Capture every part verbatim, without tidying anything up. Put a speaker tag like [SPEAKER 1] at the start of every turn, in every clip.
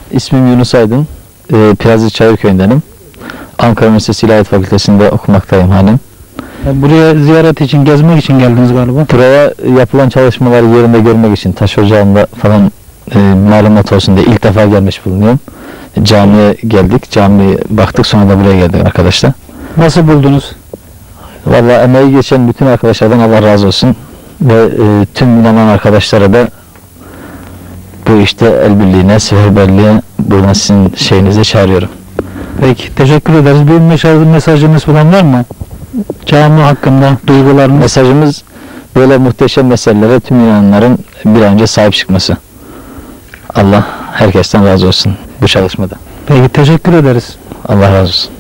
[SPEAKER 1] İsmim Yunus Aydın. E, Piyazlı Çayırköy'ündenim. Ankara Üniversitesi İlahiyat Fakültesi'nde okumaktayım halen.
[SPEAKER 2] Buraya ziyaret için, gezmek için geldiniz galiba.
[SPEAKER 1] Buraya yapılan çalışmaları yerinde görmek için, taş ocağında falan e, malumat olsun diye ilk defa gelmiş bulunuyorum. Camiye geldik, camiye baktık, sonra da buraya geldik arkadaşlar.
[SPEAKER 2] Nasıl buldunuz?
[SPEAKER 1] Vallahi emeği geçen bütün arkadaşlardan Allah razı olsun. Ve e, tüm inanan arkadaşlara da bu işte el birliğine, seferberliğe buradan sizin şeyinize çağırıyorum.
[SPEAKER 2] Peki, teşekkür ederiz. Bir mesaj, mesajınız falan var mı? Cami hakkında duygularınız?
[SPEAKER 1] Mesajımız böyle muhteşem meselelere tüm inananların bir an önce sahip çıkması. Allah herkesten razı olsun bu çalışmada.
[SPEAKER 2] Peki, teşekkür ederiz.
[SPEAKER 1] Allah razı olsun.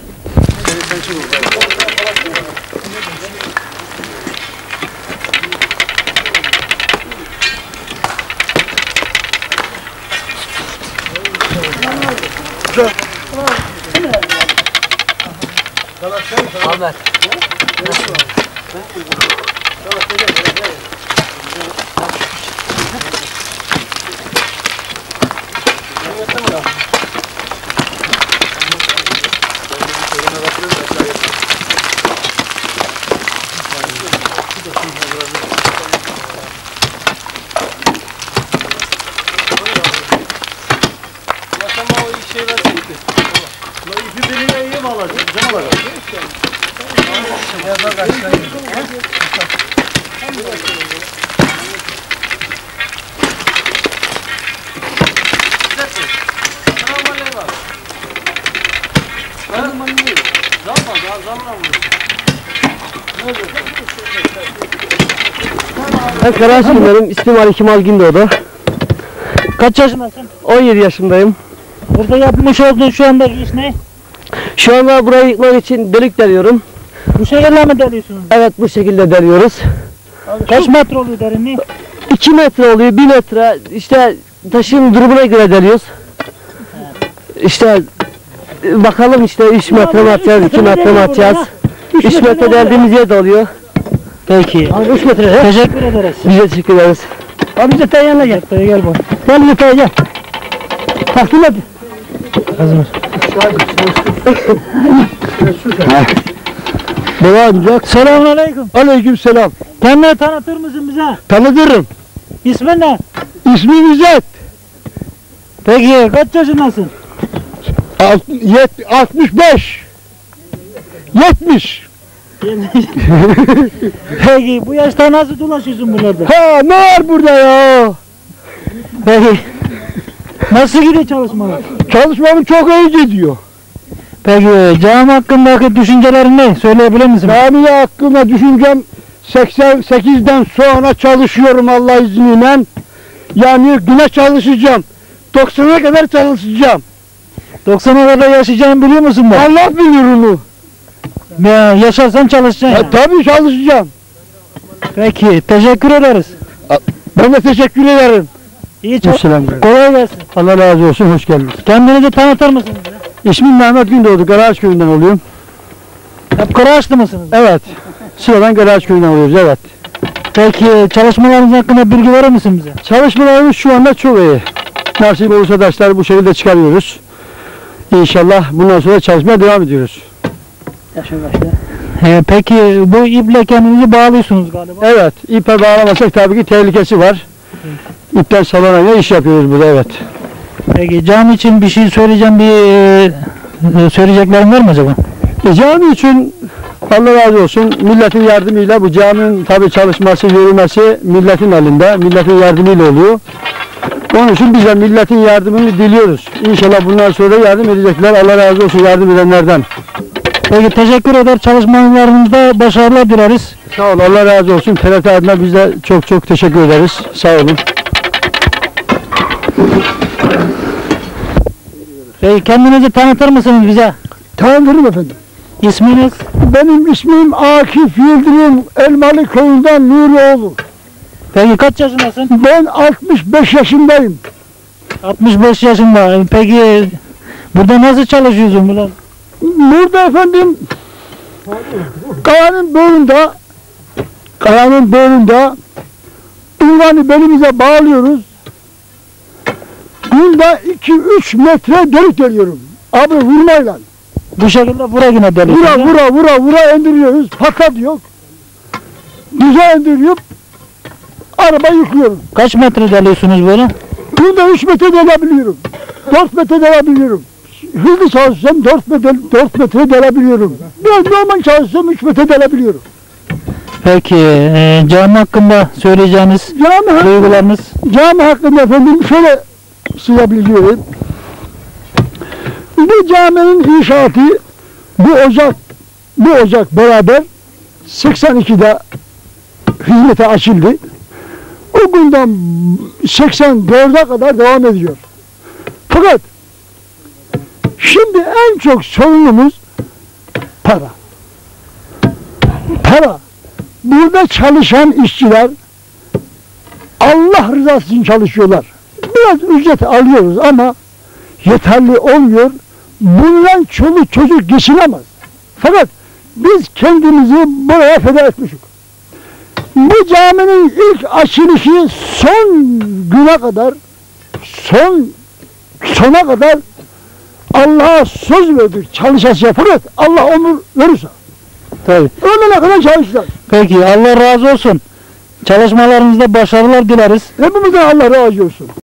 [SPEAKER 3] Ahmet.
[SPEAKER 4] Ben Karaşık'tayım. İsmim Ali Kemal Gündoğdu.
[SPEAKER 2] Kaç yaşındasın?
[SPEAKER 4] on yedi yaşındayım.
[SPEAKER 2] Burada yapmış olduğun şu andaki iş ne?
[SPEAKER 4] Şu anda burayı yıkmak için delik deliyorum.
[SPEAKER 2] Bu şekilde mi deliyorsunuz?
[SPEAKER 4] Evet, bu şekilde deliyoruz.
[SPEAKER 2] Kaç metre oluyor derinliği?
[SPEAKER 4] iki metre oluyor, bir metre. İşte taşın durumuna göre deliyoruz. İşte bakalım, işte üç metre mi atacağız, iki metre mi atacağız. üç metre deldiğimiz yer de oluyor.
[SPEAKER 2] Peki. üç metre. Teşekkür ederiz.
[SPEAKER 4] Biz de teşekkür ederiz.
[SPEAKER 2] Abi Zetay'ın yanına gel. Zetay'a gel bak. Gel Zetay'a gel. Takdim et. Hazır.
[SPEAKER 4] Devam edecek.
[SPEAKER 2] Selamun aleyküm.
[SPEAKER 4] Aleyküm selam.
[SPEAKER 2] Kendini tanıtır mısın bize?
[SPEAKER 4] Tanıdırım.
[SPEAKER 2] İsmin ne?
[SPEAKER 4] İsmim İzzet.
[SPEAKER 2] Peki kaç yaşındasın?
[SPEAKER 4] altmış beş. yetmiş.
[SPEAKER 2] Peki bu yaşta nasıl dolaşıyorsun buralarda?
[SPEAKER 4] Ha, ne var burada ya?
[SPEAKER 2] Peki nasıl gidiyor çalışmalar?
[SPEAKER 4] Çalışmamız çok iyi gidiyor.
[SPEAKER 2] Peki cami hakkındaki düşüncelerin ne? Söyleyebilir misin?
[SPEAKER 4] Cami hakkında düşüncem seksen sekizden sonra çalışıyorum Allah izniyle. Yani güne çalışacağım. doksana kadar çalışacağım.
[SPEAKER 2] doksana kadar yaşayacağını biliyor musun bu?
[SPEAKER 4] Allah bilir onu.
[SPEAKER 2] Ya, yaşarsan çalışacaksın.
[SPEAKER 4] Ya, tabii çalışacağım.
[SPEAKER 2] Peki teşekkür ederiz.
[SPEAKER 4] Ben de teşekkür ederim.
[SPEAKER 2] İyi çalışın. Kolay gelsin.
[SPEAKER 4] Allah razı olsun, hoş geldiniz.
[SPEAKER 2] Kendinizi tanıtır mısınız?
[SPEAKER 4] İsmim Mehmet Gündoğdu, Karaağaç köyünden oluyorum.
[SPEAKER 2] Hep Karaağaçlı mısınız?
[SPEAKER 4] Evet. Sıradan Karaağaç köyünden oluyoruz, evet.
[SPEAKER 2] Peki çalışmalarınız hakkında bilgi verir misin bize?
[SPEAKER 4] Çalışmalarımız şu anda çok iyi. Nasip olursa taşları bu şekilde çıkarıyoruz. İnşallah bundan sonra çalışmaya devam ediyoruz.
[SPEAKER 2] He, peki bu iple kendinizi bağlıyorsunuz galiba.
[SPEAKER 4] Evet, ipe bağlamasak tabii ki tehlikesi var. İpten sallanaya iş yapıyoruz burada, evet.
[SPEAKER 2] Peki cami için bir şey söyleyeceğim, bir e, söyleyeceklerim var mı acaba?
[SPEAKER 4] E, cami için Allah razı olsun, milletin yardımıyla bu caminin tabii çalışması, yürümesi milletin elinde, milletin yardımıyla oluyor. Onun için biz de milletin yardımını diliyoruz. İnşallah bundan sonra yardım edecekler. Allah razı olsun yardım edenlerden.
[SPEAKER 2] Peki teşekkür eder. Çalışmalarınızda başarılar dileriz.
[SPEAKER 4] Sağ ol, Allah razı olsun. T R T adına biz de çok çok teşekkür ederiz. Sağ olun.
[SPEAKER 2] Peki kendinizi tanıtır mısınız bize?
[SPEAKER 4] Tanıdırım efendim.
[SPEAKER 2] İsminiz?
[SPEAKER 4] Benim ismim Akif Yıldırım, Elmalı köyünden Nurioğlu.
[SPEAKER 2] Peki kaç yaşındasın?
[SPEAKER 4] Ben altmış beş yaşındayım.
[SPEAKER 2] altmış beş yaşında. Peki burada nasıl çalışıyorsun burada?
[SPEAKER 4] Burada efendim kayanın bölünde kayanın bölünde ünvanı belimize bağlıyoruz. Günde iki üç metre delik deliyorum. Abi vurmayla.
[SPEAKER 2] Bu şekilde vura yine delik.
[SPEAKER 4] Vura vura vura vura indiriyoruz. Patlat yok. Düze indiriyor. Araba yıkıyorum.
[SPEAKER 2] Kaç metre deliyorsunuz böyle?
[SPEAKER 4] Günde üç metre delebiliyorum. dört metre delebiliyorum. Hızlı çalışsam dört metre, dört metre delebiliyorum. Biraz normal çalışsam üç metre delebiliyorum.
[SPEAKER 2] Peki e, cami hakkında söyleyeceğiniz
[SPEAKER 4] Cami,
[SPEAKER 2] duygularınız?
[SPEAKER 4] cami hakkında efendim şöyle size bilgi vereyim. Bu caminin inşaatı bu Ocak bu Ocak beraber seksen ikide hizmete açıldı. O günden seksen dörde kadar devam ediyor. Fakat şimdi en çok sorunumuz para. Para. Burada çalışan işçiler Allah rızası için çalışıyorlar. Biraz ücret alıyoruz ama yeterli olmuyor. Bundan çoluk çocuk geçinemez. Fakat biz kendimizi buraya feda etmişiz. Bu caminin ilk açılışı son güne kadar, son sona kadar Allah'a söz verdik çalışacağız. Fakat Allah ömür verirse.
[SPEAKER 2] Tabii.
[SPEAKER 4] Ölene kadar çalışacağız.
[SPEAKER 2] Peki Allah razı olsun. Çalışmalarınızda başarılar dileriz.
[SPEAKER 4] Hepimizden Allah razı olsun.